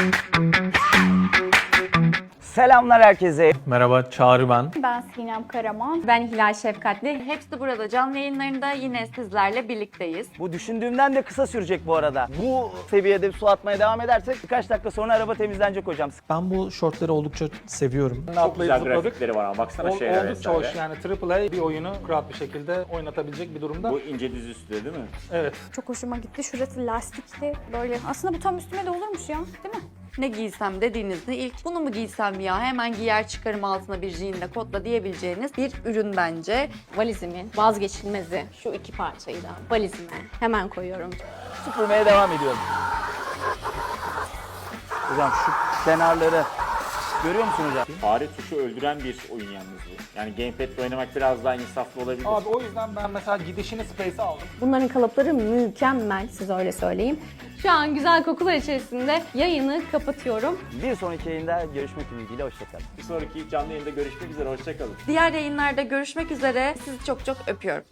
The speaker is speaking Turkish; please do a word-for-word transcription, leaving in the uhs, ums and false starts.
Selamlar herkese. Merhaba, Çağrı ben. Ben Sinem Karaman. Ben Hilal Şefkatli. Hepsi burada canlı yayınlarında yine sizlerle birlikteyiz. Bu düşündüğümden de kısa sürecek bu arada. Bu seviyede su atmaya devam edersek birkaç dakika sonra araba temizlenecek hocam. Ben bu şortları oldukça seviyorum. Çok güzel grafikleri var ama baksana Ol, şeylere oldukça vesaire. hoş yani Triple A bir oyunu rahat bir şekilde oynatabilecek bir durumda. Bu ince düz üstü değil mi? Evet. Çok hoşuma gitti. Şurası lastikli böyle. Aslında bu tam üstüme de olurmuş ya, değil mi? Ne giysem dediğinizde ilk bunu mu giysem ya hemen giyer çıkarım altına bir jeanle kotla diyebileceğiniz bir ürün bence. Valizimin vazgeçilmezi şu iki parçayı da valizime hemen koyuyorum. Süpürmeye devam ediyorum. Hocam şu kenarları görüyor musun hocam? Fare tuşu öldüren bir oyun yalnız bu. Yani gamepad'le oynamak biraz daha insaflı olabilir. Abi o yüzden ben mesela gidişini Space'e aldım. Bunların kalıpları mükemmel, size öyle söyleyeyim. Şu an güzel kokular içerisinde yayını kapatıyorum. Bir sonraki yayında görüşmek ümidiyle hoşçakalın. Bir sonraki canlı yayında görüşmek üzere. Hoşçakalın. Diğer yayınlarda görüşmek üzere. Sizi çok çok öpüyorum.